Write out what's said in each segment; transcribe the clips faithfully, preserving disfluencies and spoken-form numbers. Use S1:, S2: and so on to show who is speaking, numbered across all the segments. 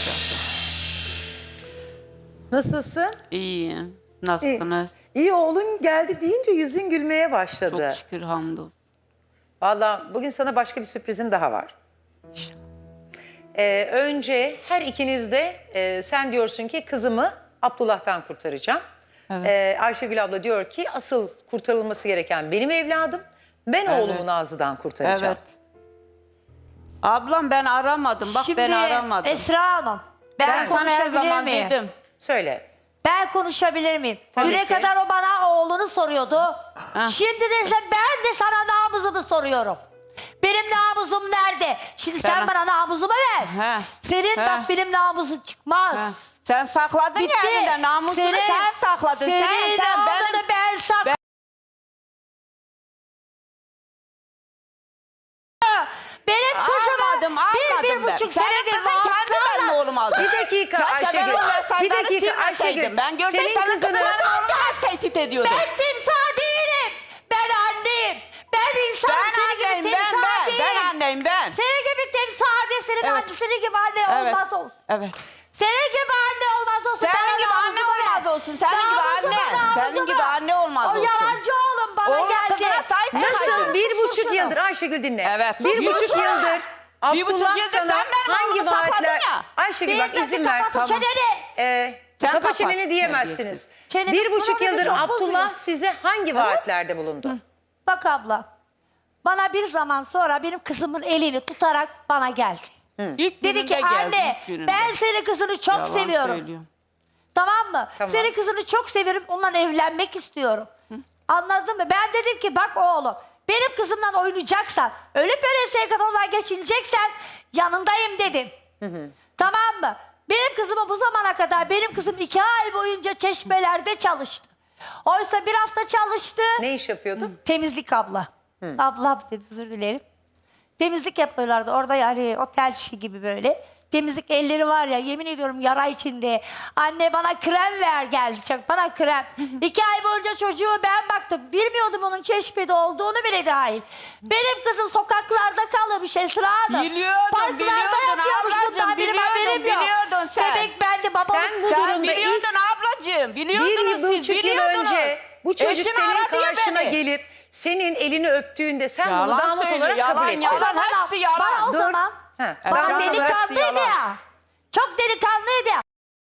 S1: zaten.
S2: Nasılsın?
S1: İyiyim. Nasılsınız?
S2: İyi, iyi oğlun geldi deyince yüzün gülmeye başladı.
S1: Çok şükür, hamdolsun.
S2: Vallahi bugün sana başka bir sürprizim daha var. Ee, önce her ikiniz de e, sen diyorsun ki kızımı Abdullah'tan kurtaracağım.
S1: Evet.
S2: Ee, Ayşegül abla diyor ki asıl kurtarılması gereken benim evladım. Ben
S1: Evet.
S2: oğlumu Nazlı'dan kurtaracağım.
S1: Evet. Ablam ben aramadım. Bak
S3: Şimdi
S1: ben aramadım.
S3: Esra Hanım, ben,
S1: ben sana her
S3: konuşabilir
S1: zaman
S3: miyim?
S1: dedim.
S2: Söyle.
S3: Ben konuşabilir miyim?
S2: Tabii
S3: Düne
S2: ki.
S3: kadar o bana oğlunu soruyordu. Şimdi de ise ben de sana namusumu soruyorum. Benim namusum nerede? Şimdi sen
S1: Sana-
S3: bana namusumu ver.
S1: He.
S3: Senin
S1: He.
S3: bak benim namusum çıkmaz.
S1: Ha. Sen sakladın
S3: Bitti.
S1: ya evinde namusunu
S3: Senin-
S1: sen sakladın.
S3: Senin
S1: sen sen
S3: namusunu
S1: benim...
S3: ben sakladım. Benim kızımı
S1: Almadım,
S3: bir, bir
S1: almadım ben.
S3: buçuk
S1: Senin
S3: senedir
S1: kızın kendi benim
S3: vaatlarla...
S1: oğlum aldı.
S2: Bir dakika
S1: Keşke
S2: Ayşegül.
S1: ben o mesajları
S2: Bir dakika
S1: silmeseydim.
S2: Ayşegül.
S1: Ben görsem
S2: Senin
S1: senin
S2: kızını...
S1: kızını oğlum tehdit ediyordu.
S3: Ben timsah değilim. Ben anneyim. Ben insanım.
S1: Ben
S3: Senin
S1: anneyim
S3: gibi
S1: ben
S3: timsah
S1: ben.
S3: değilim.
S1: Ben anneyim ben.
S3: Senin gibi timsah değil. Senin
S1: Evet.
S3: anne, senin gibi anne
S1: Evet.
S3: olmaz olsun.
S1: Evet.
S3: Senin gibi anne olmaz olsun.
S1: Senin
S3: Bana
S1: gibi anne
S3: namusumu
S1: olmaz
S3: ver.
S1: olsun. Senin gibi
S3: Namusumu,
S1: anne.
S3: namusumu.
S1: Senin gibi anne olmaz
S3: o
S1: olsun.
S3: O yalancı oğlum bana
S1: Oğlum
S3: geldi.
S1: kızına sahip
S2: Nasıl
S1: çıkaydın.
S2: bir buçuk
S3: Şunu.
S2: yıldır Ayşegül dinle.
S1: Evet.
S2: Bir
S1: Sus,
S2: buçuk
S1: sus.
S2: yıldır
S1: Bir buçuk
S2: Abdullah
S1: yıldır
S2: sana
S1: sen benim
S2: hangi
S1: oğlumu sakladın
S2: vaatler...
S1: ya.
S2: Ayşegül
S3: Bir
S2: bak
S3: dakika,
S2: izin ver.
S3: kapat o çeneni.
S2: Ee,
S1: Sen
S2: kapa
S1: kapat.
S2: çeneni diyemezsiniz.
S3: Çenemi
S2: Bir buçuk
S3: kulağını
S2: yıldır
S3: çok
S2: Abdullah
S3: bozuyor.
S2: size hangi vaatlerde bulundu?
S3: Bak abla. Bana bir zaman sonra benim kızımın elini tutarak bana geldi.
S1: İlk
S3: Dedi ki
S1: gününde geldi,
S3: anne
S1: ilk gününde.
S3: ben senin kızını çok
S1: Yalan
S3: seviyorum.
S1: söylüyor.
S3: Tamam mı?
S2: Tamam.
S3: Senin kızını çok severim. Onunla evlenmek istiyorum. Anladın mı? Ben dedim ki bak oğlum benim kızımla oynayacaksan öyle böyle sevgiden geçineceksen yanındayım dedim. Tamam mı? Benim kızımı bu zamana kadar benim kızım iki ay boyunca çeşmelerde çalıştı. Oysa bir hafta çalıştı.
S2: Ne iş yapıyordu?
S3: Temizlik abla. Abla dedi özür dilerim. Temizlik yapıyorlardı orada yani otel işi gibi böyle. Temizlik elleri var ya yemin ediyorum yara içinde. Anne bana krem ver geldi çok bana krem. İki ay boyunca çocuğu ben baktım. Bilmiyordum onun Çeşme'de olduğunu bile dahil. Benim kızım sokaklarda kalmış Esra Hanım.
S1: Biliyordum,
S3: Parklarda
S1: biliyordun
S3: yatıyormuş
S1: ablacığım,
S3: bundan benim
S1: biliyordun,
S3: haberim yok.
S1: biliyordun sen.
S3: Bebek bende babalık.
S2: Sen bu
S1: Sen
S2: durumda
S1: biliyordun
S2: ilk
S1: ablacığım. Biliyordunuz
S2: bir
S1: siz
S2: buçuk yıl
S1: biliyordunuz.
S2: önce bu çocuk
S1: Eşim
S2: senin
S1: aradı ya
S2: karşına
S1: beni.
S2: gelip senin elini öptüğünde sen bunu
S1: Yalan
S2: damat
S1: söylüyor,
S2: olarak
S1: yalan,
S2: kabul ettin.
S1: yalan.
S3: O zaman,
S1: hepsi yalan.
S3: bana o
S2: Dur.
S3: zaman
S2: Ha,
S3: bana
S2: damat olarak
S3: delikanlıydı
S1: yalan.
S3: ya. Çok delikanlıydı ya.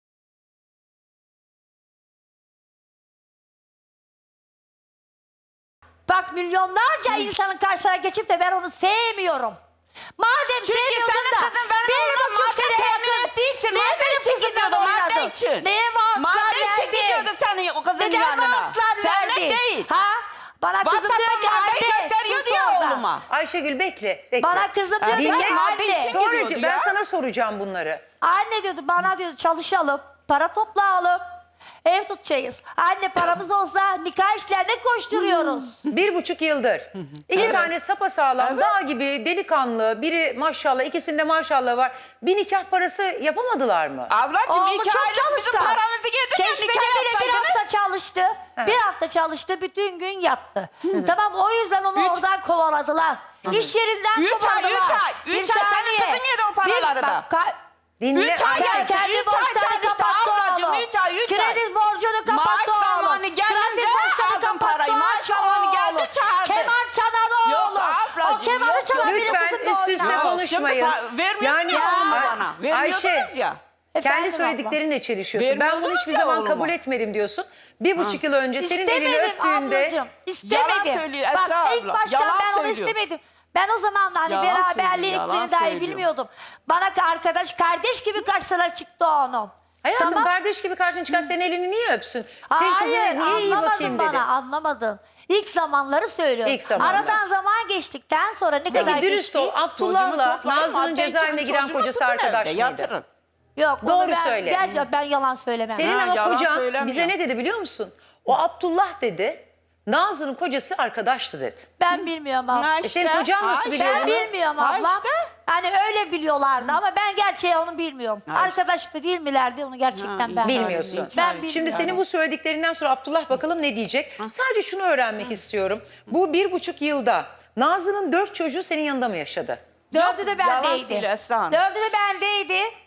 S3: Bak milyonlarca insanın karşısına geçip de ben onu sevmiyorum. Madem
S1: Çünkü
S3: sevmiyordun
S1: senin
S3: da
S1: kızın benim
S3: bir
S1: oğlum
S3: buçuk
S1: madde
S3: sene
S1: temin
S3: yakın-
S1: ettiği için
S3: Niye
S1: madde
S3: benim
S1: için
S3: kızımla
S1: gidiyordu, madde
S3: oynadın?
S1: için.
S3: Neye vaatlar
S1: Madde için
S3: verdin?
S1: gidiyordu senin o kızın
S3: Neden
S1: yanına.
S3: vaatlar
S1: Senle
S3: verdin?
S1: değil.
S3: Ha? Bana kızım diyor
S1: WhatsApp'tan
S3: ki
S1: maddeyi
S3: anne
S1: gösteriyordu
S3: sus
S1: ya
S3: orada.
S1: oğluma.
S2: Ayşegül bekle, bekle.
S3: Bana kızım diyor ki
S2: Dinle.
S3: anne.
S2: Sonra
S1: gidiyordu
S2: ben
S1: ya.
S2: sana soracağım bunları.
S3: Anne diyordu bana diyordu çalışalım, para toplayalım, ev tutacağız. Anne paramız olsa nikah işlerine koşturuyoruz.
S2: Bir buçuk yıldır. İki tane sapasağlam, dağ gibi delikanlı, biri maşallah, ikisinde maşallah var. Bir nikah parası yapamadılar mı?
S1: Ablacığım
S3: Oğlu
S1: iki
S3: çok
S1: aylık bizim
S3: çalışkan.
S1: paramızı getirin ya
S3: Çeşmede
S1: nikah
S3: bile bir
S1: yapsaydınız.
S3: hafta çalıştı. Bir hafta çalıştı, bütün gün yattı. Tamam o yüzden onu
S1: Üç-
S3: oradan kovaladılar. İş yerinden
S1: Üç ay,
S3: kovaladılar.
S1: üç ay,
S3: Bir
S1: üç ay senin
S3: saniye.
S1: kızın yedi o
S3: Bir-
S1: paraları da.
S3: bak, ka-
S2: Dinle
S1: Üç ay
S2: Ayşegül.
S3: Sen kendi
S1: Üç ay
S3: borçlarını
S1: çalıştı
S3: kapattı
S1: ablacığım,
S3: oğlum.
S1: üç ay, üç ay.
S3: Kredi borcunu kapattı
S1: Maaş
S3: oğlum.
S1: zamanı gelince
S3: Trafik borçlarını
S1: aldım
S3: kapattı
S1: parayı. Maaş zamanı geldi,
S3: oğlum.
S1: çağırdı.
S3: Keman çalan
S1: Yok
S3: oğlum.
S1: ablacığım,
S3: O kemanı
S1: yok,
S3: çalan
S1: yok.
S3: benim
S2: Lütfen
S3: kızımla
S2: üst üste
S3: oynar.
S1: Yok,
S2: konuşmayın.
S1: şimdi pa- vermiyordunuz ya oğlumu
S2: Ay-
S1: bana. Vermiyordunuz
S2: Ayşe,
S1: ya.
S2: kendi
S3: Efendim
S2: söylediklerinle çelişiyorsun. Ben bunu
S1: Vermiyordunuz
S2: hiçbir
S1: ya
S2: zaman
S1: oğluma.
S2: kabul etmedim diyorsun. Bir buçuk yıl önce senin elini
S3: İstemedim
S2: öptüğünde...
S3: ablacığım. İstemedim.
S1: Yalan söylüyor
S3: Bak
S1: Esra
S3: ilk
S1: abla,
S3: baştan
S1: yalan
S3: ben onu
S1: söylüyor.
S3: istemedim. Ben o zaman da hani
S1: Yalan söylüyor,
S3: beraberlikleri
S1: yalan
S3: dahi
S1: söylüyor.
S3: bilmiyordum. Bana arkadaş, kardeş gibi karşılar çıktı onun.
S2: Hayatım
S3: Tamam.
S2: kardeş gibi karşına çıkan senin elini niye öpsün? Senin kızına
S3: Hayır
S2: niye iyi
S3: anlamadın
S2: bakayım
S3: bana
S2: dedi.
S3: anlamadın. İlk zamanları söylüyorum.
S2: İlk zamanlar.
S3: Aradan zaman geçtikten sonra ne kadar
S2: Peki dürüst
S3: geçti?
S2: ol. Abdullah'la
S1: Çocuğumu toplayın,
S2: Nazlı'nın
S1: madde
S2: cezaevine
S1: için
S2: giren
S1: çocuğumu
S2: kocası
S1: tutun
S2: arkadaş
S1: evde,
S2: mıydı?
S1: yatırın.
S3: Yok onu
S2: Doğru
S3: ben,
S2: söyle.
S3: Gerçi ben yalan söylemem.
S2: Senin
S1: Ha,
S2: ama
S1: yalan
S2: kocan
S1: söylemiyor.
S2: bize ne dedi biliyor musun? O Abdullah dedi, Nazlı'nın kocası arkadaştı dedi.
S3: Ben bilmiyorum abla.
S1: Ha
S2: E senin
S1: işte,
S2: kocan nasıl
S1: ha
S2: biliyor
S3: Ben
S2: bunu?
S3: bilmiyorum
S1: Ha
S3: abla.
S1: işte.
S3: Hani öyle biliyorlardı ama ben gerçeği onu bilmiyorum.
S1: Ha
S3: Arkadaş mı değil milerdi onu gerçekten
S1: Ha,
S3: ben
S2: Bilmiyorsun.
S3: Ben
S1: Ben
S3: bilmiyorum.
S2: Şimdi senin bu söylediklerinden sonra Abdullah bakalım ne diyecek? Sadece şunu öğrenmek istiyorum. Bu bir buçuk yılda Nazlı'nın dört çocuğu senin yanında mı yaşadı?
S3: Dördü de
S1: yalan
S3: bendeydi.
S1: değil Esra Hanım.
S3: Dördü de bendeydi. Bir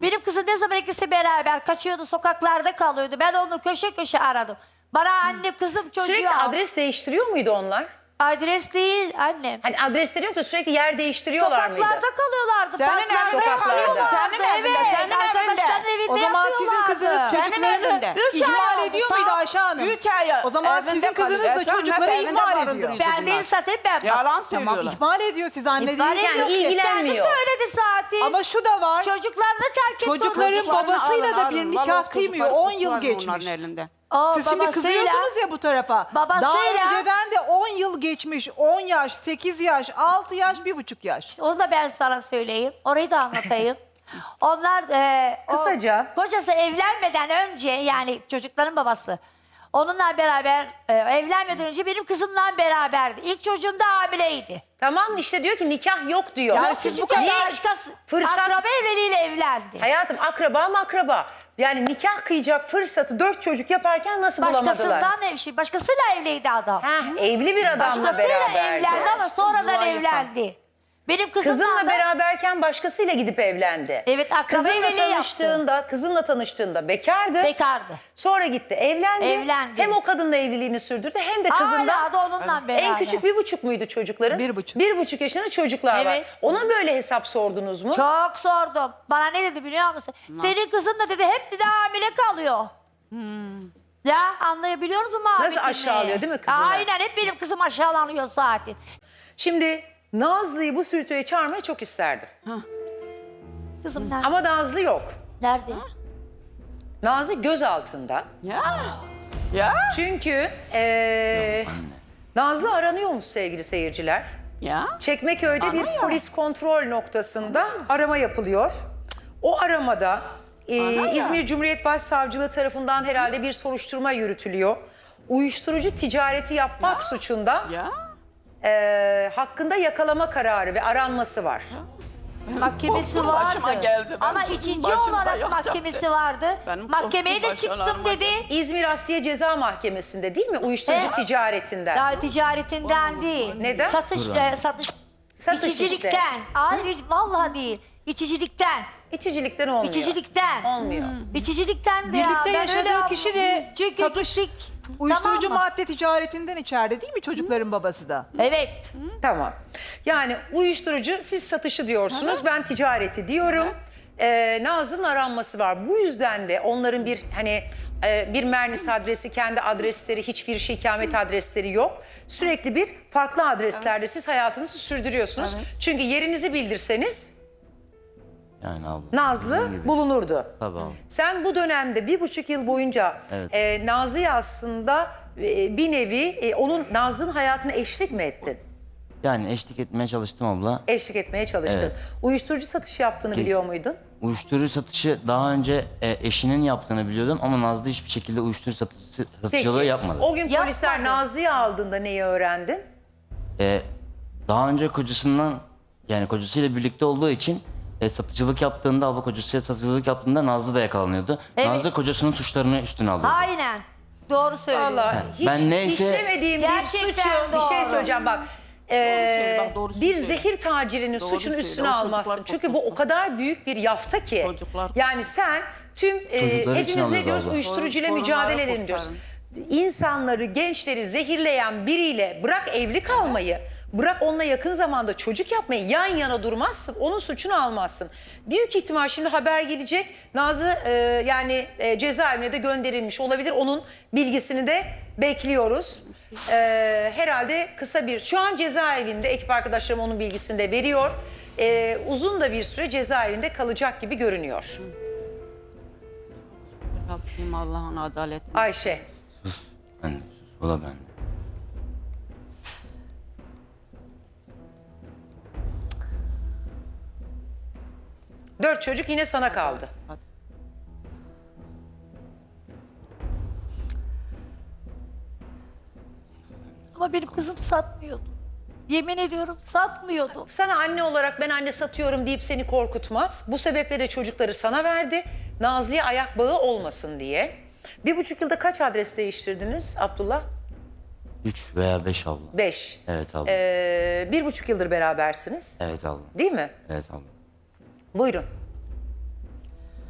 S3: Benim kızım ne zaman ikisi beraber kaçıyordu, sokaklarda kalıyordu. Ben onu köşe köşe aradım. Bana anne kızım çocuğu
S2: Sürekli
S3: al.
S2: adres değiştiriyor muydu onlar?
S3: Adres değil annem.
S2: Hani adresleri yok da sürekli yer değiştiriyorlar mıydı?
S3: Sokaklarda kalıyorlardı.
S1: Senin
S3: parklarda
S1: evinde
S2: Sokaklarda.
S3: kalıyorlardı.
S1: Senin evinde,
S3: Evet,
S1: senin
S3: arkadaşların
S1: evinde.
S3: evinde
S4: O zaman sizin
S3: yapıyorlardı.
S4: kızınız
S1: Senin
S4: çocuklarını
S1: evinde.
S3: Üç ay
S4: ihmal
S3: oldu,
S4: ediyor
S3: tam.
S4: muydu Ayşe Hanım?
S1: Üç ay
S4: O zaman
S1: evinde
S4: sizin kızınız
S1: kalıyor.
S4: da
S1: Sen
S4: çocukları
S1: hep evinde
S4: ihmal ediyor.
S1: barındırıyorsun
S3: Ben değil
S1: bunlar.
S3: zaten ben.
S1: Yalan
S4: Tamam
S1: söylüyorlar.
S4: ihmal ediyor siz anne
S3: İhbar
S4: değil.
S3: ediyor.
S2: ilgilenmiyor.
S3: Kendi söyledi zaten.
S4: Ama şu da var.
S3: Çocuklarını terk etti.
S4: Çocukların
S3: Çocuklar-
S4: babasıyla da bir
S1: alın,
S4: nikah
S1: vallahi
S4: kıymıyor.
S1: çocuklar
S4: on yıl
S1: var
S4: geçmiş.
S1: onların elinde.
S3: O
S4: Siz şimdi
S3: babasıyla-
S4: kızıyorsunuz ya bu tarafa.
S3: Babasıyla-
S4: Daha önceden de on yıl geçmiş. on yaş, sekiz yaş, altı yaş, bir buçuk yaş.
S3: Onu da ben sana söyleyeyim. Orayı da anlatayım. Onlar e, o
S2: Kısaca.
S3: kocası evlenmeden önce yani çocukların babası onunla beraber e, evlenmeden önce benim kızımla beraberdi. İlk çocuğum da hamileydi.
S2: Tamam işte diyor ki nikah yok diyor.
S4: Yani
S3: Yani
S4: siz bu
S3: küçük
S2: kadar
S3: başkası
S2: fırsat-
S3: akraba evliliğiyle evlendi.
S2: Hayatım akraba mı akraba? Yani nikah kıyacak fırsatı dört çocuk yaparken nasıl bulamadılar?
S3: Başkasından evli, başkasıyla evliydi adam.
S2: Heh, evli bir adamla
S3: Başkasıyla
S2: beraberdi.
S3: evlendi ama sonradan
S1: Yuva yapan.
S3: evlendi. Benim kızımla
S2: Kızınla
S3: da
S2: beraberken başkasıyla gidip evlendi.
S3: Evet, akraba
S2: Kızınla
S3: evliliği yaptı.
S2: tanıştığında, kızınla tanıştığında bekardı.
S3: bekardı.
S2: Sonra gitti evlendi.
S3: Evlendi.
S2: Hem o kadınla evliliğini sürdürdü hem de kızında.
S3: Hala da onunla beraber.
S2: En küçük bir buçuk muydu çocukların?
S4: Bir buçuk.
S2: Bir buçuk yaşında çocuklar var.
S3: Evet.
S2: Ona böyle hesap sordunuz mu?
S3: Çok sordum. Bana ne dedi biliyor musun? Senin kızın da dedi hep dedi hamile kalıyor. Ya anlayabiliyor musun abi?
S2: Nasıl aşağılıyor değil mi kızını?
S3: Aynen hep benim kızım aşağılanıyor zaten.
S2: Şimdi Nazlı'yı bu sürütüye çağırmayı çok isterdim.
S3: Kızım nerede?
S2: Ama Nazlı yok.
S3: Nerede?
S2: Nazlı göz altında.
S1: Ya. Ya.
S2: Çünkü eee Nazlı aranıyormuş sevgili seyirciler.
S1: Ya.
S2: Çekmeköy'de bir polis kontrol noktasında arama yapılıyor. O aramada e,
S1: Ana ya.
S2: İzmir Cumhuriyet Başsavcılığı tarafından herhalde bir soruşturma yürütülüyor. Uyuşturucu ticareti yapmak suçunda
S1: Ya.
S2: e, hakkında yakalama kararı ve aranması var.
S3: Mahkemesi
S1: Korkum
S3: vardı.
S1: başıma geldi. Ben
S3: Ama
S1: çocuğum
S3: içici
S1: başımda
S3: olarak
S1: yatacaktı.
S3: mahkemesi vardı.
S1: Benim
S3: Mahkemeye de
S1: korkum
S3: çıktım
S1: başıma
S3: dedi.
S2: İzmir Asliye Ceza Mahkemesi'nde değil mi? Uyuşturucu
S3: E?
S2: ticaretinden.
S3: Ya ticaretinden değil.
S2: Neden?
S3: Satış, e, satış,
S2: Satış
S3: içicilikten.
S2: işte.
S3: Hayır hiç- vallahi değil. İçicilikten.
S2: İçicilikten olmuyor.
S3: İçicilikten.
S2: Olmuyor.
S3: İçicilikten de ya.
S4: Birlikte
S3: Ben öyle
S4: yaşadığı
S3: yaptım.
S4: kişi de
S3: Çünkü
S4: satış-
S3: gittik.
S4: Uyuşturucu
S3: Tamam mı?
S4: madde ticaretinden içeride değil mi çocukların babası da?
S3: Evet.
S2: Tamam. Yani uyuşturucu siz satışı diyorsunuz, ben ticareti diyorum. Ee, Nazlı'nın aranması var. Bu yüzden de onların bir hani e, bir Mernis adresi, kendi adresleri, hiçbir şey ikamet adresleri yok. Sürekli bir farklı adreslerde siz hayatınızı sürdürüyorsunuz. Çünkü yerinizi bildirseniz
S5: Yani abla.
S2: Nazlı
S5: Dediğin gibi.
S2: bulunurdu.
S5: Tabii abla.
S2: Sen bu dönemde bir buçuk yıl boyunca
S5: Evet.
S2: e, Nazlı'ya aslında e, bir nevi e, onun Nazlı'nın hayatına eşlik mi ettin?
S5: Yani eşlik etmeye çalıştım abla.
S2: Eşlik etmeye çalıştın.
S5: Evet.
S2: Uyuşturucu satışı yaptığını
S5: Ki-
S2: biliyor muydun?
S5: Uyuşturucu satışı daha önce e, eşinin yaptığını biliyordum ama Nazlı hiçbir şekilde uyuşturucu satışı, satıcılığı yapmadı.
S2: O gün polisler
S3: Yapmadı.
S2: Nazlı'yı aldığında neyi öğrendin?
S5: E, daha önce kocasından yani kocasıyla birlikte olduğu için e, satıcılık yaptığında abla kocasıyla satıcılık yaptığında Nazlı da yakalanıyordu.
S3: Evet.
S5: Nazlı kocasının suçlarını üstüne alıyordu.
S3: Aynen. Doğru söylüyorsun.
S2: Vallahi hiç
S5: Ben neyse-
S2: işlemediğim bir
S3: Gerçekten
S2: suçu bir şey
S3: doğru.
S2: söyleyeceğim bak. Ee,
S1: söylüyor, bak doğru
S2: bir
S1: söylüyor.
S2: zehir tacirinin
S1: Doğru
S2: suçunu
S1: söylüyor,
S2: üstüne
S1: o
S2: almazsın.
S1: çocuklar
S2: Çünkü bu o
S1: korkmasın.
S2: kadar büyük bir yafta ki.
S1: Çocuklar-
S2: Yani sen tüm e,
S5: Çocuklar için
S2: hepimiz ne
S5: alıyordu
S2: diyoruz
S5: abla.
S2: uyuşturucuyla
S1: Sorun-
S2: mücadele
S1: sorunları
S2: edelim diyoruz.
S1: kurtarın.
S2: İnsanları, gençleri zehirleyen biriyle bırak evli kalmayı, bırak onunla yakın zamanda çocuk yapmayı yan yana durmazsın. Onun suçunu almazsın. Büyük ihtimal şimdi haber gelecek. Nazlı e, yani e, cezaevine de gönderilmiş olabilir. Onun bilgisini de bekliyoruz. E, herhalde kısa bir... Şu an cezaevinde ekip arkadaşlarım onun bilgisini de veriyor. E, uzun da bir süre cezaevinde kalacak gibi görünüyor.
S1: Rabbim Allah'ın adaletini.
S2: Ayşe.
S5: Ben, o da ben.
S2: Dört çocuk yine sana kaldı.
S3: Ama benim kızım satmıyordu. Yemin ediyorum satmıyordu.
S2: Sana anne olarak ben anne satıyorum deyip seni korkutmaz. Bu sebeple de çocukları sana verdi. Nazlı'ya ayak bağı olmasın diye. Bir buçuk yılda kaç adres değiştirdiniz Abdullah?
S5: Üç veya beş abla.
S2: Beş.
S5: Evet abla.
S2: Ee, bir buçuk yıldır berabersiniz.
S5: Evet abla.
S2: Değil mi?
S5: Evet abla.
S2: Buyurun.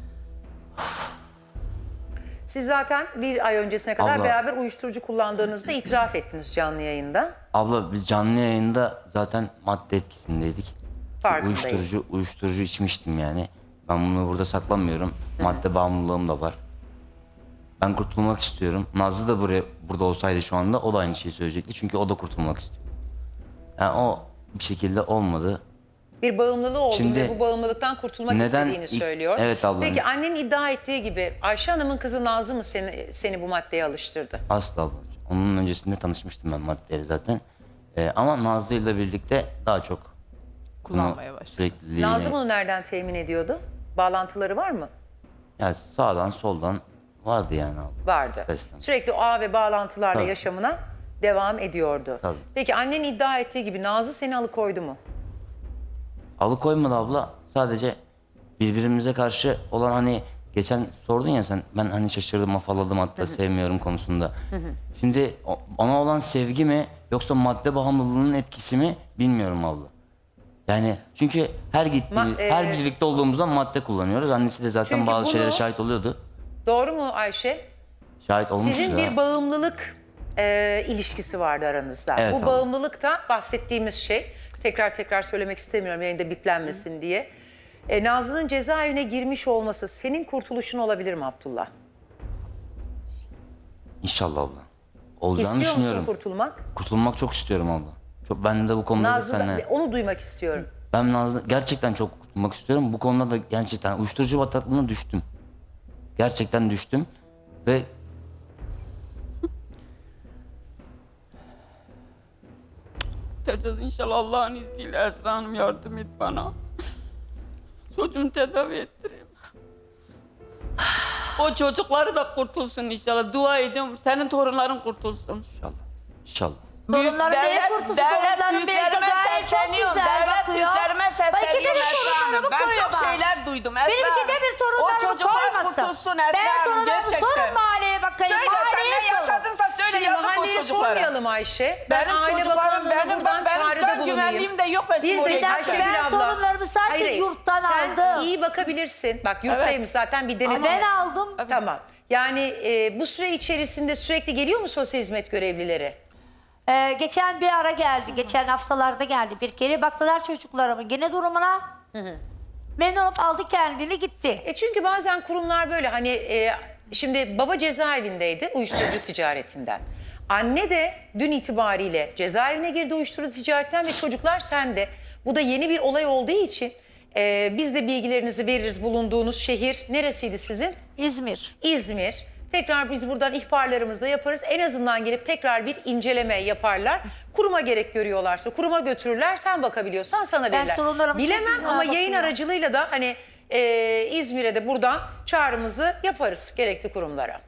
S2: Siz zaten bir ay öncesine kadar
S5: Abla.
S2: beraber uyuşturucu kullandığınızda itiraf ettiniz canlı yayında.
S5: Abla biz canlı yayında zaten madde etkisindeydik.
S2: Farkındayım.
S5: Uyuşturucu, uyuşturucu içmiştim yani. Ben bunu burada saklamıyorum. Madde bağımlılığım da var. Ben kurtulmak istiyorum. Nazlı da buraya burada olsaydı şu anda o da aynı şeyi söyleyecekti. Çünkü o da kurtulmak istiyor. Yani o bir şekilde olmadı.
S2: Bir bağımlılığı olduğunu
S5: Şimdi
S2: ve bu bağımlılıktan kurtulmak
S5: neden
S2: istediğini
S5: ilk-
S2: söylüyor.
S5: Evet abla.
S2: Peki annenin iddia ettiği gibi Ayşe Hanım'ın kızı Nazlı mı seni, seni bu maddeye alıştırdı?
S5: Asla abla. Onun öncesinde tanışmıştım ben maddeyle zaten. Ee, ama Nazlı ile birlikte daha çok
S4: Kullanmaya başladı.
S5: sürekli
S2: Nazlı bunu nereden temin ediyordu? Bağlantıları var mı?
S5: yani sağdan soldan vardı yani abla.
S2: Vardı.
S5: İster istemez.
S2: Sürekli o ağ ve bağlantılarla
S5: Tabii.
S2: yaşamına devam ediyordu.
S5: Tabii.
S2: Peki annen iddia ettiği gibi Nazlı seni alıkoydu mu?
S5: Alıkoymadı abla. Sadece birbirimize karşı olan hani geçen sordun ya sen ben hani şaşırdım afalladım hatta sevmiyorum konusunda. Şimdi o- ona olan sevgi mi yoksa madde bağımlılığının etkisi mi bilmiyorum abla. Yani çünkü her gittiğimiz,
S2: Ma- e-
S5: her birlikte olduğumuzda madde kullanıyoruz. Annesi de zaten
S2: Çünkü
S5: bazı
S2: bunu-
S5: şeylere şahit oluyordu.
S2: Doğru mu Ayşe?
S5: Şahit olmuştu
S2: Sizin
S5: da.
S2: bir bağımlılık e, ilişkisi vardı aranızda.
S5: Evet,
S2: Bu
S5: abla.
S2: bağımlılık da bahsettiğimiz şey. Tekrar tekrar söylemek istemiyorum yayında biplenmesin diye. E, Nazlı'nın cezaevine girmiş olması senin kurtuluşun olabilir mi Abdullah?
S5: İnşallah abla. Olacağını
S2: İstiyor musun
S5: düşünüyorum.
S2: kurtulmak?
S5: Kurtulmak çok istiyorum abla. Çok, ben de bu konuda da
S2: Nazlı,
S5: seninle...
S2: onu duymak istiyorum.
S5: Ben Nazlı gerçekten çok kurtulmak istiyorum. Bu konuda da gerçekten uyuşturucu bataklığına düştüm. Gerçekten düştüm. Ve
S1: Tercih inşallah Allah'ın izniyle Esra Hanım yardım et bana. Çocuğumu tedavi ettireyim. O çocukları da kurtulsun inşallah. Dua ediyorum. Senin torunların kurtulsun.
S5: inşallah. İnşallah.
S3: Torunlarım neye
S1: devlet-
S3: kurtulsun?
S1: devlet
S3: Torunlarım belki
S1: büyüklerime
S3: gayet çok
S1: sesleniyorum.
S3: güzel
S1: Devlet
S3: bakıyor.
S1: büyüklerime
S3: Bak iki de
S1: sesleniyorum
S3: bir
S1: Esra Hanım.
S3: torunlarımı
S1: Ben
S3: koyuyor
S1: çok
S3: bak.
S1: şeyler duydum Esra
S3: Benim iki de bir
S1: O
S3: torunlarımı
S1: çocuklar
S3: koymasın.
S1: kurtulsun Esra
S3: Ben
S1: Hanım,
S3: torunlarımı
S1: gerçekten.
S3: sorun mahalleye bakayım.
S1: Söyle sen
S3: mahalleye
S1: ne
S3: sorun.
S1: yaşadınsa söyle
S2: Şimdi
S1: yazık o
S2: mahalleye
S1: çocuklara.
S2: sormayalım Ayşe. Ben
S1: Benim
S2: Aile
S1: çocuklarım,
S2: Bakanlığı'na
S1: benim,
S2: buradan
S1: benim
S2: çağrıda
S1: can
S2: bulunayım.
S1: güvenliğim de yok. Ben
S2: Bir
S1: şimdi
S2: dakika
S1: oraya
S3: dakika,
S1: gideceğim.
S2: Ayşegül
S3: ben
S2: abla.
S3: torunlarımı sanki
S2: Hayır, hayır.
S3: yurttan
S2: Sen
S3: aldım.
S2: iyi bakabilirsin. Bak yurttaymış zaten bir denetim.
S3: Ben aldım.
S2: Tamam. Yani e, bu süre içerisinde sürekli geliyor mu sosyal hizmet görevlileri?
S3: Ee, geçen bir ara geldi. Geçen haftalarda geldi bir kere. Baktılar çocuklarımın gene durumuna. Memnun olup aldı kendini gitti.
S2: E çünkü bazen kurumlar böyle hani e, şimdi baba cezaevindeydi uyuşturucu ticaretinden. Anne de dün itibariyle cezaevine girdi uyuşturucu ticaretinden ve çocuklar sende. Bu da yeni bir olay olduğu için e, biz de bilgilerinizi veririz. Bulunduğunuz şehir neresiydi sizin?
S3: İzmir.
S2: İzmir. Tekrar biz buradan ihbarlarımızla yaparız. En azından gelip tekrar bir inceleme yaparlar. Kuruma gerek görüyorlarsa kuruma götürürler. Sen bakabiliyorsan sana verirler.
S3: torunlarım çok
S2: Bilemem
S3: güzel
S2: ama yayın
S3: bakıyor.
S2: aracılığıyla da hani e, İzmir'e de buradan çağrımızı yaparız gerekli kurumlara.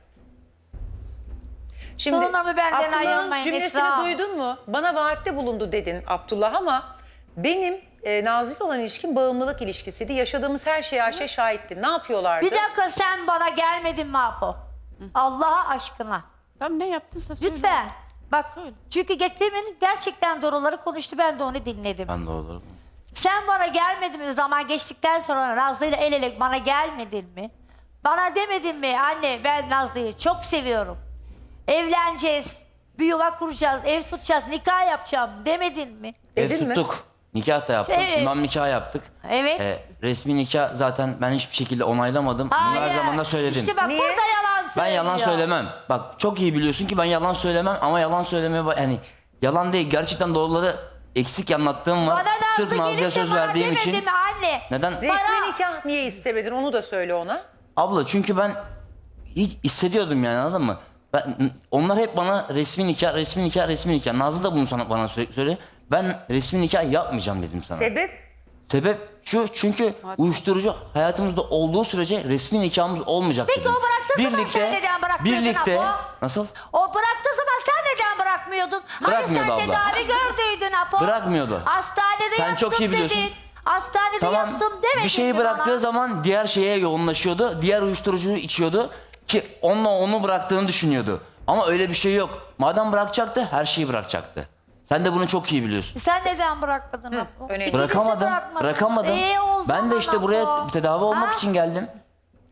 S2: Şimdi
S3: Torunlarımı benden
S2: Abdullah'ın
S3: ayırmayın
S2: cümlesini
S3: Esra.
S2: duydun mu? Bana vaatte bulundu dedin Abdullah ama benim e, Nazlı ile olan ilişkim bağımlılık ilişkisiydi. Yaşadığımız her şeye Ayşe şahitti. Ne yapıyorlardı?
S3: Bir dakika sen bana gelmedin mi Apo? Allah'a aşkına.
S1: Tamam ne yaptınsa söyle.
S3: Lütfen. Bak
S1: Söyle.
S3: çünkü geçtiğimin gerçekten doğruları konuştu. Ben de onu dinledim.
S5: Ben de olur.
S3: Sen bana gelmedin mi? Zaman geçtikten sonra Nazlı'yla el ele bana gelmedin mi? Bana demedin mi? Anne ben Nazlı'yı çok seviyorum. Evleneceğiz. Bir yuva kuracağız. Ev tutacağız. Nikah yapacağım demedin mi?
S2: Dedin
S5: Ev
S2: mi?
S5: tuttuk. Nikah da yaptık.
S3: Evet.
S5: İmam nikah yaptık.
S3: Evet.
S5: Ee, resmi nikah zaten ben hiçbir şekilde onaylamadım. Bunu her zaman da söyledim.
S3: İşte bak
S2: Niye?
S3: burada yalan
S5: Ben
S3: söylüyor.
S5: yalan söylemem. Bak çok iyi biliyorsun ki ben yalan söylemem ama yalan söylemeye ba- yani yalan değil gerçekten doğruları eksik anlattığım var.
S3: Bana
S5: Sırf
S3: Nazlı
S5: Nazlı'ya
S3: gelip de
S5: söz
S3: bana
S5: verdiğim
S3: demedi
S5: için.
S3: mi anne?
S5: Neden?
S2: Resmi
S3: Bana-
S2: nikah niye istemedin onu da söyle ona.
S5: Abla çünkü ben hiç hissediyordum yani anladın mı? Ben, onlar hep bana resmi nikah, resmi nikah, resmi nikah. Nazlı da bunu sana bana sürekli söylüyor. Ben resmi nikah yapmayacağım dedim sana.
S2: Sebep?
S5: Sebep şu çünkü uyuşturucu hayatımızda olduğu sürece resmi nikahımız olmayacak
S3: Peki
S5: dedim.
S3: o bıraktığı zaman sen neden bırakmıyordun
S5: Birlikte
S3: Apo?
S5: nasıl?
S3: O bıraktığı zaman sen neden bırakmıyordun?
S5: Bırakmıyordu
S3: hani sen
S5: abla.
S3: tedavi gördüydün Apo.
S5: Bırakmıyordu.
S3: Hastanede
S5: Sen
S3: yaptım
S5: çok iyi biliyorsun.
S3: dedin. Hastanede yaptım demedin
S5: bir şeyi
S3: mi
S5: bıraktığı
S3: bana?
S5: zaman diğer şeye yoğunlaşıyordu. Diğer uyuşturucuyu içiyordu ki onunla onu bıraktığını düşünüyordu. Ama öyle bir şey yok. Madem bırakacaktı her şeyi bırakacaktı. Sen de bunu çok iyi biliyorsun.
S3: Sen neden bırakmadın Apo?
S2: önemli.
S3: İkiniz de
S5: Bırakamadım.
S3: bırakmadınız.
S5: Bırakamadım.
S3: Ee, o
S5: ben de
S3: zaman
S5: işte buraya
S3: Apo.
S5: tedavi olmak
S3: Ha?
S5: için geldim.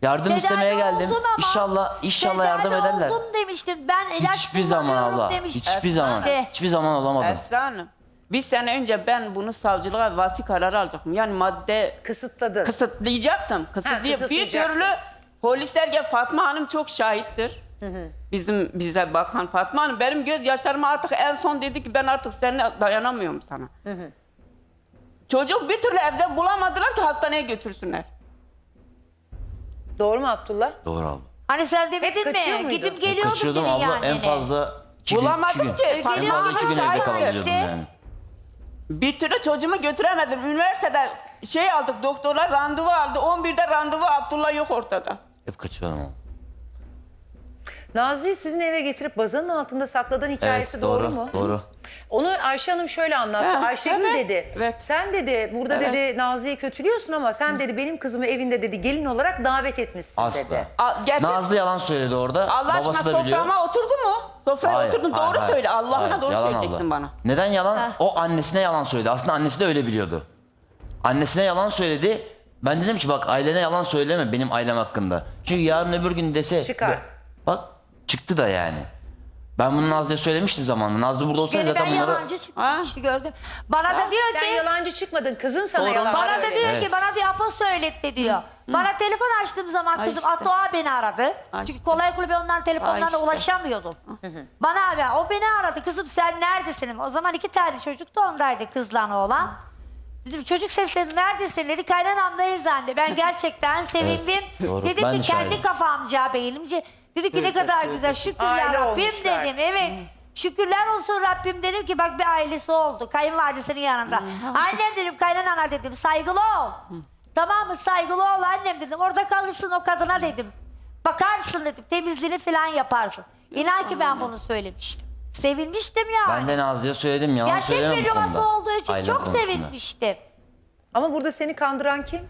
S5: Yardım
S3: Tedavi
S5: istemeye geldim.
S3: oldum ama
S5: İnşallah inşallah yardım
S3: tedavi
S5: ederler.
S3: oldum demiştim. Ben ilaç
S5: Hiçbir zaman
S3: kullanıyorum
S5: abla.
S3: demiştim.
S5: Hiçbir zaman.
S3: İşte.
S5: Hiçbir zaman olamadım.
S1: Esra Hanım, bir sene önce ben bunu savcılığa vasi kararı alacaktım. Yani madde
S2: Kısıtladın.
S1: kısıtlayacaktım. Kısıtlay bir
S2: kısıtlayacaktın.
S1: türlü polisler gel, Fatma Hanım çok şahittir. Bizim bize bakan Fatma Hanım benim gözyaşlarıma artık en son dedi ki ben artık seninle dayanamıyorum sana. Çocuk bir türlü evde bulamadılar ki hastaneye götürsünler.
S2: Doğru mu Abdullah?
S5: Doğru abla.
S3: Hani sen demedin
S2: kaçıyor
S3: mi?
S2: muydun?
S3: Gidip geliyordum
S5: Kaçıyordum
S3: dedin
S5: abla
S3: yani.
S5: en fazla iki gün,
S1: Bulamadım
S5: iki gün.
S1: ki.
S5: En
S1: Fatma
S3: Geliyor
S5: fazla
S1: Hanım
S5: iki gün
S3: ama
S5: evde
S3: şahit
S5: kalabiliyordum
S3: işte.
S5: yani.
S1: Bir türlü çocuğumu götüremedim. Üniversitede şey aldık, doktorlar randevu aldı. on birde randevu, Abdullah yok ortada.
S5: Hep kaçıyordum abla.
S2: Nazlı'yı sizin eve getirip bazanın altında sakladığın hikayesi
S5: Evet,
S2: doğru,
S5: doğru,
S2: mu?
S5: doğru.
S2: Onu Ayşe Hanım şöyle anlattı.
S1: Ha,
S2: Ayşegül
S1: evet,
S2: dedi,
S1: evet.
S2: sen dedi burada
S1: Evet.
S2: dedi Nazlı'yı kötülüyorsun ama sen dedi benim kızımı evinde dedi gelin olarak davet etmişsin
S5: Asla.
S2: dedi.
S1: A- getir-
S5: Nazlı yalan söyledi orada.
S1: Allah aşkına
S5: Babası da biliyor.
S1: soframa oturdu mu? Sofraya
S5: Hayır,
S1: oturdun,
S5: hayır,
S1: doğru
S5: hayır.
S1: söyle. Allah'ına
S5: Hayır,
S1: doğru
S5: yalan
S1: söyleyeceksin
S5: abla.
S1: bana.
S5: Neden yalan? O annesine yalan söyledi. Aslında annesi de öyle biliyordu. Annesine yalan söyledi. Ben dedim ki bak ailene yalan söyleme benim ailem hakkında. Çünkü yarın öbür gün dese...
S2: Çıkar.
S5: Bak çıktı da yani. Ben bunu Nazlı'ya söylemiştim zamanında. Nazlı burada olsaydı
S3: Gene ben
S5: zaten bunları...
S3: yalancı çıkmış gördüm. Bana da diyor
S2: Sen
S3: ki
S2: yalancı çıkmadın, kızın sana
S1: Doğru.
S2: yalan
S3: bana da
S2: söyledi.
S3: diyor
S5: Evet.
S3: ki bana diyor Apo söyletti diyor. Bana telefon açtığım zaman
S1: Ay
S3: kızım
S1: işte.
S3: Atoğa beni aradı.
S1: Ay
S3: Çünkü
S1: işte.
S3: kolay kolay ben onların telefonlarına
S1: Ay işte.
S3: ulaşamıyordum. Bana abi o beni aradı. Kızım sen neredesin? O zaman iki tane çocuk da ondaydı kızla oğlan. Dedim çocuk sesleri neredesin dedi. Kaynanamdayız anne. Ben gerçekten sevindim.
S5: doğru.
S3: Dedim
S5: Ben de
S3: ki kendi
S5: şahidim.
S3: kafamca beynimce. Dedi ki ne kadar güzel şükürler
S2: Aile
S3: Rabbim
S2: olmuşlar.
S3: dedim. Evet. Şükürler olsun Rabbim dedim ki bak bir ailesi oldu. Kayınvalidesinin yanında. Annem dedim kaynanana dedim saygılı ol. Tamam mı saygılı ol annem dedim. Orada kalırsın o kadına dedim. Bakarsın dedim temizliğini falan yaparsın. İnan ki ben bunu söylemiştim. Sevinmiştim yani.
S5: Ben de Nazlı'ya söyledim yalan
S3: Gerçek
S5: söylemem
S3: bir
S5: bu
S3: yuvası
S5: konuda.
S3: olduğu için
S5: Ailem
S3: çok
S5: konusunda.
S3: sevinmiştim.
S2: Ama burada seni kandıran kim?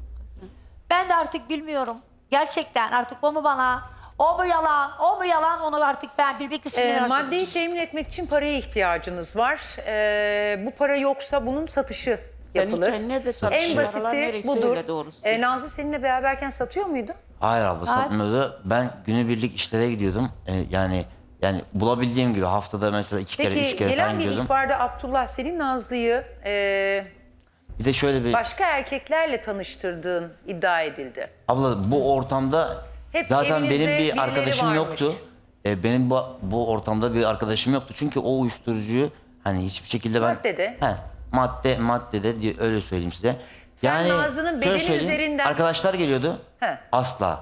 S3: Ben de artık bilmiyorum. Gerçekten artık o mu bana, o mu yalan, o mu yalan onu artık ben bir bir
S2: Ee,
S3: kısmını
S2: maddeyi temin etmek için paraya ihtiyacınız var. Ee, bu para yoksa bunun satışı yapılır.
S1: sen nerede
S2: En
S1: çalışıyorsun? Paralar
S2: basiti
S1: nereye?
S2: budur.
S1: Söyle doğrusu.
S2: Ee, Nazlı seninle beraberken satıyor muydu?
S5: Hayır abla
S3: Hayır.
S5: satmıyordu. Ben günübirlik işlere gidiyordum. Ee, yani yani bulabildiğim gibi haftada mesela iki kere, üç
S2: Peki
S5: kere falan
S2: gelen bir
S5: gidiyordum.
S2: ihbarda Abdullah senin Nazlı'yı e,
S5: Bir de şöyle bir...
S2: başka erkeklerle tanıştırdığın iddia edildi.
S5: Abla bu ortamda
S2: Hep
S5: zaten benim
S2: evinizde
S5: bir
S2: birileri
S5: arkadaşım
S2: varmış.
S5: yoktu. Ee, benim bu, bu ortamda bir arkadaşım yoktu. Çünkü o uyuşturucuyu hani hiçbir şekilde ben...
S2: Maddede.
S5: He, madde, maddede diye öyle söyleyeyim size.
S2: Sen Nazlı'nın
S5: şöyle
S2: bedeni
S5: söyleyeyim,
S2: üzerinden-
S5: Arkadaşlar geliyordu.
S2: He.
S5: Asla.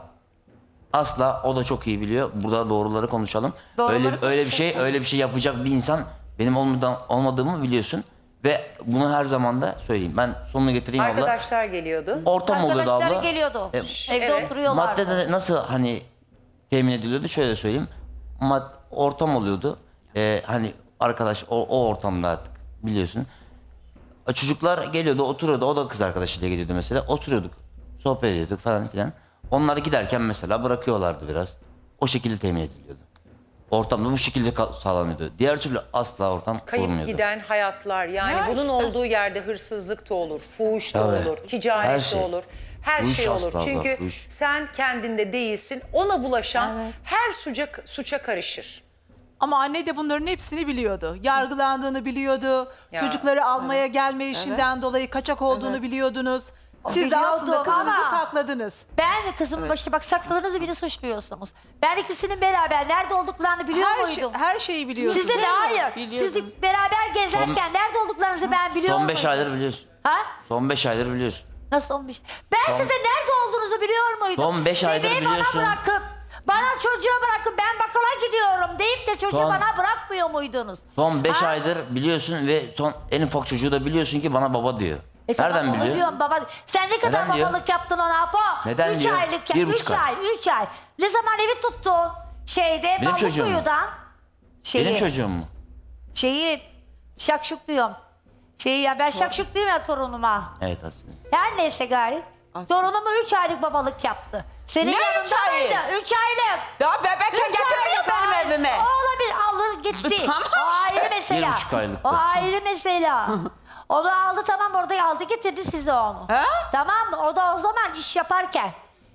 S5: Asla o da çok iyi biliyor. Burada doğruları konuşalım.
S3: Doğruları
S5: öyle öyle bir şey öyle bir şey yapacak bir insan benim olmadan olmadığımı biliyorsun ve bunu her zaman da söyleyeyim. Ben sonunu getireyim abla.
S2: Arkadaşlar geliyordu.
S5: Ortam oluyordu
S3: Arkadaşları
S5: abla.
S3: geliyordu.
S5: E,
S3: Evde
S2: evet.
S3: oturuyorlardı.
S5: Maddede nasıl hani temin ediliyordu şöyle söyleyeyim. Mad ortam oluyordu. Ee, hani arkadaş o, o ortamda artık biliyorsun. E, Çocuklar geliyordu oturuyordu. O da kız arkadaşıyla geliyordu mesela. Oturuyorduk. Sohbet ediyorduk falan filan. Onlar giderken mesela bırakıyorlardı biraz. O şekilde temin ediliyordu. Ortamda bu şekilde kal- sağlanıyordu. Diğer türlü asla ortam
S2: Kayıp
S5: olmuyordu.
S2: giden hayatlar yani
S1: Ya
S2: bunun
S1: işte.
S2: olduğu yerde hırsızlık da olur, fuhuş da
S5: Tabii.
S2: olur, ticaret
S5: Her
S2: de
S5: şey.
S2: olur. Her
S5: Bu iş
S2: şey olur.
S5: asla abla,
S2: Çünkü
S5: bu iş.
S2: sen kendinde değilsin. Ona bulaşan her suça, suça karışır.
S4: Ama anne de bunların hepsini biliyordu. Yargılandığını biliyordu.
S2: Ya,
S4: Çocukları almaya gelme işinden dolayı kaçak olduğunu biliyordunuz. Siz de
S3: biliyordu
S4: aslında kızınızı
S3: ama-
S4: sakladınız.
S3: Ben de kızımın başı bak sakladığınızı bile suçluyorsunuz. Ben ikisinin beraber nerede olduklarını biliyor
S4: Her, şey,
S3: muydum?
S4: her şeyi biliyorsunuz.
S3: Siz de de hayır.
S1: Biliyordum.
S3: Siz de beraber gezerken nerede olduklarınızı ben biliyor
S5: Son
S3: muydum?
S5: beş aydır biliyorsun.
S3: Ha?
S5: Son beş aydır biliyorsun.
S3: Nasıl olmuş? Ben size nerede olduğunuzu biliyor muydum?
S5: Son beş aydır
S3: Bebeği
S5: biliyorsun.
S3: bana bırakıp, bana çocuğa bırakıp ben bakıla gidiyorum deyip de çocuğu
S5: Son-
S3: bana bırakmıyor muydunuz?
S5: Son beş
S3: Ha?
S5: aydır biliyorsun ve son en ufak çocuğu da biliyorsun ki bana baba diyor.
S3: E tamam,
S5: Nereden
S3: onu
S5: biliyor?
S3: diyorum baba. Sen ne kadar
S5: Neden diyor?
S3: babalık yaptın ona Apo?
S5: Neden
S3: üç
S5: diyor?
S3: aylık,
S5: Bir
S3: üç
S5: buçuk
S3: ay,
S5: ay.
S3: üç ay. Ne zaman evi tuttun? Şeyde,
S5: Benim çocuğum mu?
S3: Balıkuyu'dan. Şeyi,
S5: Benim çocuğum mu?
S3: Şeyi, şakşuk diyorum. Şeyi ya ben şakşuk diyorum ya torunuma.
S5: Evet aslında.
S3: Her neyse gari. Torunumu üç aylık babalık yaptı. Senin
S1: Ne
S3: yanında
S1: üç ayı?
S3: mıydı? Üç aylık.
S1: Daha bebekken
S3: Üç
S1: getirmiyor
S3: aylık.
S1: benim evime.
S3: O olabilir. Alır gitti.
S1: Tamam
S3: O
S1: işte.
S3: ayrı mesela.
S5: Bir buçuk aylık
S3: O
S5: da.
S3: ayrı mesela. Onu aldı tamam orada aldı getirdi size onu.
S1: Ha?
S3: Tamam mı? O da o zaman iş yaparken.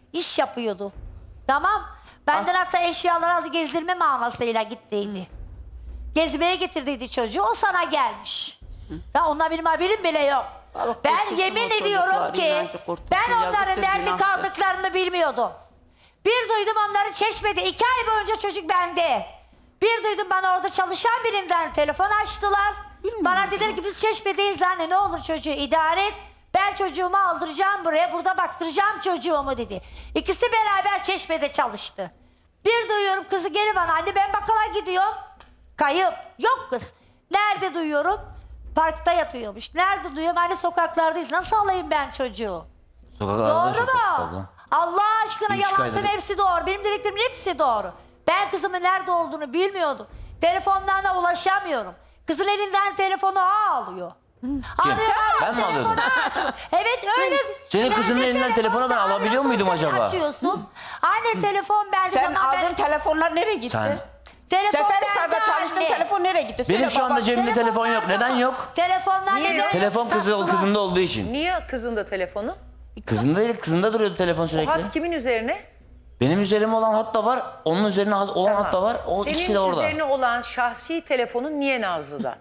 S3: İş yapıyordu. Tamam. Benden hatta eşyaları aldı gezdirme manasıyla gittiydi. Gezmeye getirdiydi çocuğu. O sana gelmiş. Da ondan benim haberim bile yok. Ben
S1: korkutsun
S3: yemin
S1: o
S3: ediyorum
S1: çocukları,
S3: ki
S1: inancı korkutsun,
S3: ben onların
S1: yazıktır,
S3: nerede
S1: günahtır.
S3: kaldıklarını bilmiyordum. Bir duydum onları Çeşme'de. iki ay boyunca çocuk bende. Bir duydum bana orada çalışan birinden telefon açtılar. Bana dediler ki biz Çeşme'deyiz anne ne olur çocuğu idare et. Ben çocuğumu aldıracağım buraya burada baktıracağım çocuğumu dedi. İkisi beraber Çeşme'de çalıştı. Bir duyuyorum kızı geri bana anne ben bakkala gidiyorum. Kayıp. Yok kız. Nerede duyuyorum? Parkta yatıyormuş. Nerede duyuyorum? Anne sokaklardayız. Nasıl alayım ben çocuğu?
S5: Sokaklarda
S3: Doğru
S5: yaşıyor
S3: mu?
S5: abla.
S3: Allah aşkına
S5: Üç
S3: yalan
S5: aydır.
S3: söyleme hepsi doğru. Benim dediklerimin hepsi doğru. Ben kızımın nerede olduğunu bilmiyordum. Telefondan da ulaşamıyorum. Kızın elinden telefonu alıyor. Alıyor, alıyor,
S5: Ben mi alıyordum?
S3: telefonu açıyor. Evet öyle.
S5: Senin
S3: Sen
S5: kızının
S3: de
S5: elinden telefonu ben
S3: sen
S5: alabiliyor muydum
S3: sen
S5: acaba?
S3: Açıyorsun. Anne telefon bende.
S1: Sen
S3: tamam, ben-
S1: aldığın telefonlar nereye gitti?
S5: Sen-
S3: Telefon
S1: Seferihisar'da
S3: bende
S1: çalıştığın
S3: anne.
S1: telefon nereye gitti? Söyle
S5: Benim şu anda
S1: baba.
S5: cebimde telefon yok.
S3: nerede?
S5: Neden yok?
S3: Telefonlar
S2: Niye
S3: neden?
S2: yok?
S5: Telefon kızı,
S3: Sattılar.
S5: kızında olduğu için.
S2: Niye kızında telefonu?
S5: Kızında değil, kızında duruyordu telefon
S2: O
S5: sürekli.
S2: hat kimin üzerine?
S5: Benim üzerime olan hat da var, onun üzerine hat- olan
S2: Tamam.
S5: hat da var. O
S2: Senin
S5: ikisi de orada.
S2: üzerine olan şahsi telefonun niye Nazlı'da?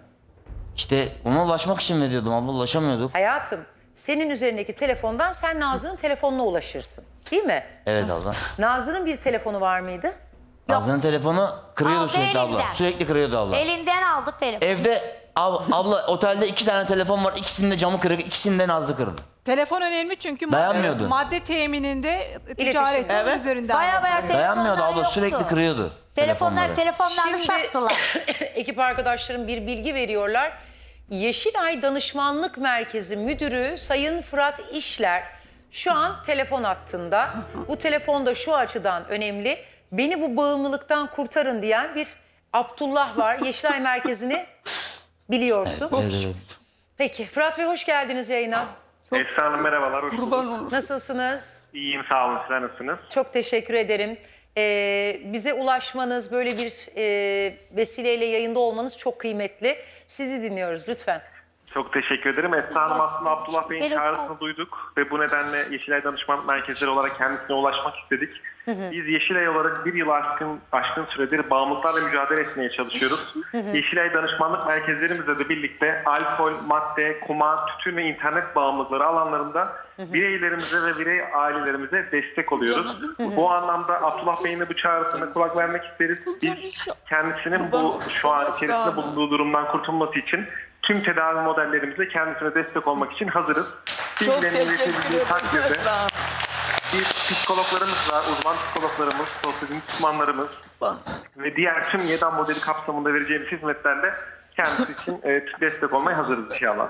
S5: İşte ona ulaşmak için veriyordum abla, ulaşamıyorduk.
S2: Hayatım, senin üzerindeki telefondan sen Nazlı'nın telefonuna ulaşırsın. Değil mi?
S5: Evet abla.
S2: Nazlı'nın bir telefonu var mıydı?
S5: Nazlı'nın telefonu kırıyordu
S3: Aldı
S5: sürekli abla.
S3: elinden.
S5: Sürekli kırıyordu abla.
S3: Elinden aldı telefonu.
S5: Evde ab- abla otelde iki tane telefon var. İkisinin de camı kırık, ikisini de Nazlı kırdı.
S4: Telefon önemli çünkü madde,
S5: Dayanmıyordu.
S4: madde temininde ticaret
S2: Evet.
S4: üzerinden.
S3: Baya baya telefonlar
S5: Dayanmıyordu abla,
S3: yoktu.
S5: sürekli kırıyordu
S3: Telefonlar,
S5: telefonları.
S3: telefonlarını
S2: Şimdi-
S3: sattılar.
S2: Ekip arkadaşlarım bir bilgi veriyorlar. Yeşilay Danışmanlık Merkezi Müdürü Sayın Fırat İşler şu an telefon hattında. Bu telefon da şu açıdan önemli. Beni bu bağımlılıktan kurtarın diyen bir Abdullah var. Yeşilay Merkezi'ni biliyorsun.
S5: Evet, evet.
S2: Peki Fırat Bey hoş geldiniz yayına.
S6: Esra Hanım merhabalar, hoş bulduk.
S2: Nasılsınız?
S6: İyiyim, sağ olun. Sizler nasılsınız?
S2: Çok teşekkür ederim. Ee, bize ulaşmanız, böyle bir e, vesileyle yayında olmanız çok kıymetli. Sizi dinliyoruz lütfen.
S6: Çok teşekkür ederim. Esra Hanım aslında Abdullah Bey'in
S3: Evet,
S6: çağrısını
S3: abi.
S6: duyduk ve bu nedenle Yeşilay Danışmanlık Merkezleri olarak kendisine ulaşmak istedik. Biz Yeşilay olarak bir yıl aşkın, aşkın süredir bağımlılıklarla mücadele etmeye çalışıyoruz. Yeşilay Danışmanlık Merkezlerimizle de birlikte alkol, madde, kumar, tütün ve internet bağımlılıkları alanlarında bireylerimize ve birey ailelerimize destek oluyoruz. Bu anlamda Abdullah Bey'in de bu çağrısına kulak vermek isteriz. Biz kendisinin bu şu an içerisinde bulunduğu durumdan kurtulması için tüm tedavi modellerimizle kendisine destek olmak için hazırız.
S1: Çok
S6: Bilgilerini
S1: teşekkür
S6: iletebildiği
S1: ederim.
S6: takdirde
S1: Esra.
S6: bir psikologlarımız var, uzman psikologlarımız, sosyal uzmanlarımız ve diğer tüm YEDAM modeli kapsamında vereceğimiz hizmetlerle kendisi için e, destek olmaya hazırız inşallah.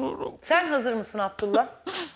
S2: Sen hazır mısın Abdullah?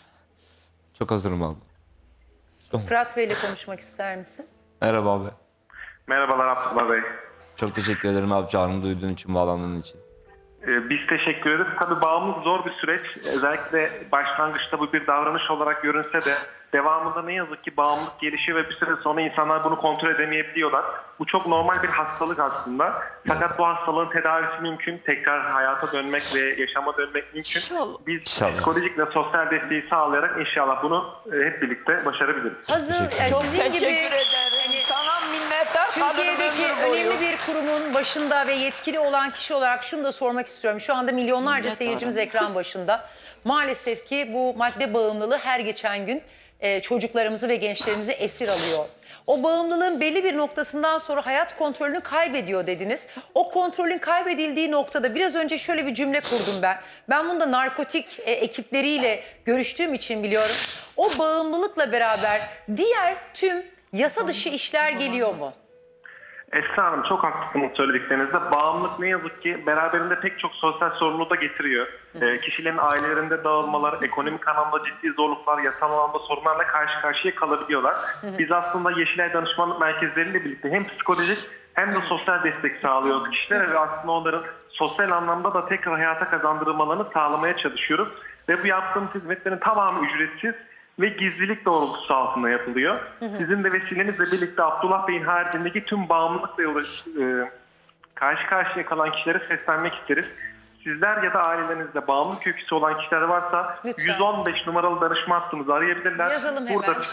S7: Çok hazırım abi.
S2: Fırat Bey'le konuşmak ister misin?
S7: Merhaba abi.
S6: Merhabalar Abdullah Bey.
S7: Çok teşekkür ederim abi çağrımı duyduğun için, bağlandığın için.
S6: Ee, Biz teşekkür ederiz. Tabii bağımlılık zor bir süreç. Özellikle başlangıçta bu bir davranış olarak görünse de devamında ne yazık ki bağımlılık gelişiyor ve bir süre sonra insanlar bunu kontrol edemeyebiliyorlar. Bu çok normal bir hastalık aslında. Fakat bu hastalığın tedavisi mümkün. Tekrar hayata dönmek ve yaşama dönmek mümkün.
S1: İnşallah.
S6: Biz
S7: İnşallah.
S6: psikolojik ve sosyal desteği sağlayarak inşallah bunu e, hep birlikte başarabiliriz.
S2: Hazır, yani
S1: Çok
S2: sizin gibi
S1: teşekkür ederim. Sana minnettar kalırım
S2: Türkiye'deki
S1: ömür boyu.
S2: önemli bir kurumun başında ve yetkili olan kişi olarak şunu da sormak istiyorum. Şu anda milyonlarca
S1: Minnettarım.
S2: seyircimiz ekran başında. Maalesef ki bu madde bağımlılığı her geçen gün e, çocuklarımızı ve gençlerimizi esir alıyor. O bağımlılığın belli bir noktasından sonra hayat kontrolünü kaybediyor dediniz. O kontrolün kaybedildiği noktada biraz önce şöyle bir cümle kurdum ben. Ben bunu da narkotik e, ekipleriyle görüştüğüm için biliyorum. O bağımlılıkla beraber diğer tüm yasa dışı işler geliyor mu?
S6: Esra Hanım çok haklısınız söylediklerinizde. Bağımlılık ne yazık ki beraberinde pek çok sosyal sorumluluğu da getiriyor. Ee, kişilerin ailelerinde dağılmalar, ekonomik anlamda ciddi zorluklar, yasal anlamda sorunlarla karşı karşıya kalabiliyorlar. Biz aslında Yeşilay Danışmanlık Merkezleriyle birlikte hem psikolojik hem de sosyal destek sağlıyoruz kişilere ve aslında onların sosyal anlamda da tekrar hayata kazandırılmalarını sağlamaya çalışıyoruz. Ve bu yaptığımız hizmetlerin tamamı ücretsiz ve gizlilik doğrultusu altında yapılıyor. Sizin de vesilenizle birlikte Abdullah Bey'in haricindeki tüm bağımlılıkla uğraş, e, karşı karşıya kalan kişilere seslenmek isteriz. Sizler ya da ailelerinizde bağımlılık öyküsü olan kişiler varsa
S2: Lütfen.
S6: yüz on beş numaralı danışma hattımızı arayabilirler.
S2: Yazalım hemen.
S6: Burada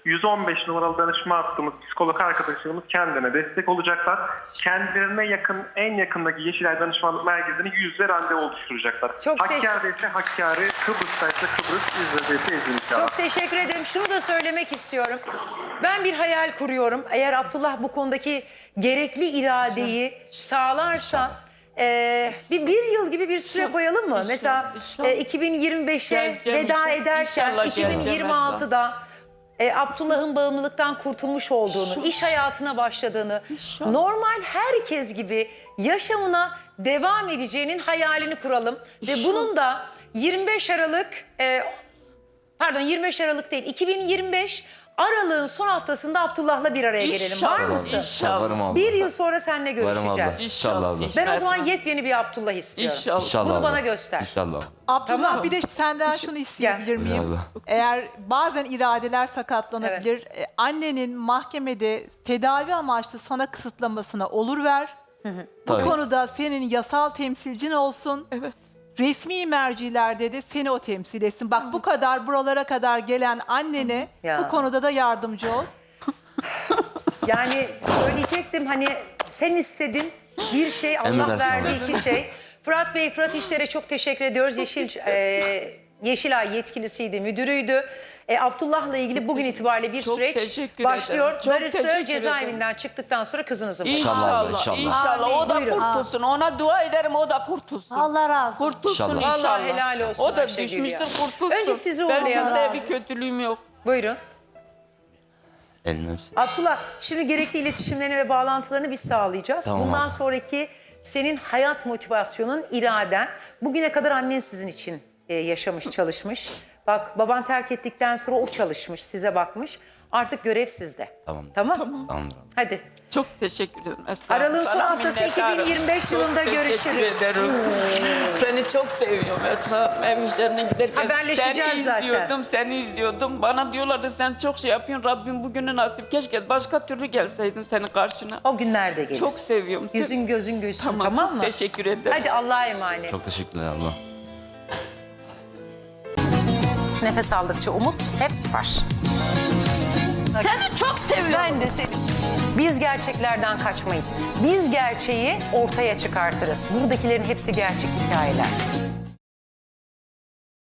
S6: yüz on beş numaralı danışma hattımız, psikolog arkadaşlarımız kendine destek olacaklar. Kendilerine yakın, en yakındaki Yeşilay Danışmanlık Merkezi'ne yüzde randevu oluşturacaklar.
S2: Çok
S6: Hakkari'de ise Hakkari, Kıbrıs'ta ise Kıbrıs, İzmir'de ise İzmir inşallah.
S2: Çok teşekkür ederim. Şunu da söylemek istiyorum. Ben bir hayal kuruyorum. Eğer Abdullah bu konudaki gerekli iradeyi sağlarsa e, bir, bir yıl gibi bir süre
S1: İnşallah,
S2: koyalım mı?
S1: inşallah,
S2: Mesela
S1: inşallah.
S2: e, iki bin yirmi beşe
S1: Geleceğim
S2: veda
S1: inşallah,
S2: ederken
S1: inşallah
S2: iki bin yirmi altıda e, Abdullah'ın bağımlılıktan kurtulmuş olduğunu, iş hayatına başladığını,
S1: İnşallah.
S2: normal herkes gibi yaşamına devam edeceğinin hayalini kuralım. Ve
S1: İnşallah.
S2: bunun da yirmi beş Aralık... E, Pardon yirmi beş Aralık değil, iki bin yirmi beş Aralık'ın son haftasında Abdullah'la bir araya gelelim. Var
S1: İnşallah,
S2: mısın?
S1: İnşallah.
S7: Varım abla.
S2: Bir yıl sonra seninle
S7: Varım abla.
S2: görüşeceğiz.
S7: İnşallah abla.
S2: Ben o zaman
S1: İnşallah.
S2: yepyeni bir Abdullah istiyorum.
S1: İnşallah.
S7: İnşallah
S2: Bunu
S7: abla.
S2: bana göster.
S7: İnşallah.
S4: Abdullah
S2: Tamam.
S4: bir de senden şunu isteyebilir
S7: Gel.
S4: miyim?
S7: Eyvallah.
S4: Eğer bazen iradeler sakatlanabilir. e, Annenin mahkemede tedavi amaçlı sana kısıtlamasına olur ver. Bu
S7: Tabii.
S4: konuda senin yasal temsilcin olsun.
S1: Evet.
S4: Resmi mercilerde de seni o temsil etsin. Bak bu kadar buralara kadar gelen annene
S2: Ya.
S4: bu konuda da yardımcı ol.
S2: Yani söyleyecektim hani sen istedin bir şey Allah
S7: Emredersin
S2: verdiği
S7: abla.
S2: iki şey. Fırat Bey, Fırat İşler'e çok teşekkür ediyoruz. Yeşil e, Yeşilay yetkilisiydi, müdürüydü. E, Abdullah'la ilgili bugün itibariyle bir
S1: Çok
S2: süreç
S1: teşekkür
S2: başlıyor.
S1: ederim. Çok
S2: Darısı
S1: teşekkür
S2: cezaevinden çıktıktan sonra kızınızın başına.
S1: İnşallah,
S7: İnşallah,
S1: inşallah.
S7: inşallah.
S1: O da
S2: Buyurun.
S1: kurtulsun. Ona dua ederim, o da kurtulsun.
S3: Allah razı olsun.
S1: Kurtulsun
S7: İnşallah.
S1: inşallah.
S2: Vallahi helal olsun
S1: O da
S2: Ayşegül
S1: düşmüştür,
S2: ya.
S1: kurtulsun.
S2: Önce sizi
S1: Ben
S2: uğurlayalım.
S1: kimseye bir kötülüğüm yok.
S2: Buyurun.
S5: Elini öpsün.
S2: Abdullah, şimdi gerekli iletişimlerini ve bağlantılarını biz sağlayacağız.
S5: Tamam
S2: Bundan
S5: abi.
S2: sonraki senin hayat motivasyonun, iraden. Bugüne kadar annen sizin için e, yaşamış, çalışmış. Bak baban terk ettikten sonra o çalışmış, size bakmış. Artık görev sizde.
S5: Tamam.
S2: Tamam?
S5: Tamamdır.
S2: Hadi.
S1: Çok teşekkür ederim Esra.
S2: Aralığın son
S1: Sana
S2: haftası
S1: minnettarım.
S2: iki bin yirmi beş yılında
S1: Çok
S2: görüşürüz.
S1: teşekkür ederim. Seni çok seviyorum Esra. Ev işlerine giderken
S2: Haberleşeceğiz
S1: seni
S2: zaten.
S1: izliyordum, seni izliyordum. Bana diyorlardı sen çok şey yapıyorsun. Rabbim bugünü nasip. Keşke başka türlü gelseydim senin karşına.
S2: O günler de gelir.
S1: Çok seviyorum seni.
S2: Yüzün gözün gülsün, tamam,
S1: Tamam, çok
S2: mı?
S1: teşekkür ederim.
S2: Hadi Allah'a emanet.
S7: Çok teşekkürler abla.
S2: Nefes aldıkça umut hep var.
S3: Seni çok seviyorum.
S2: Ben de seni. Biz gerçeklerden kaçmayız. Biz gerçeği ortaya çıkartırız. Buradakilerin hepsi gerçek hikayeler.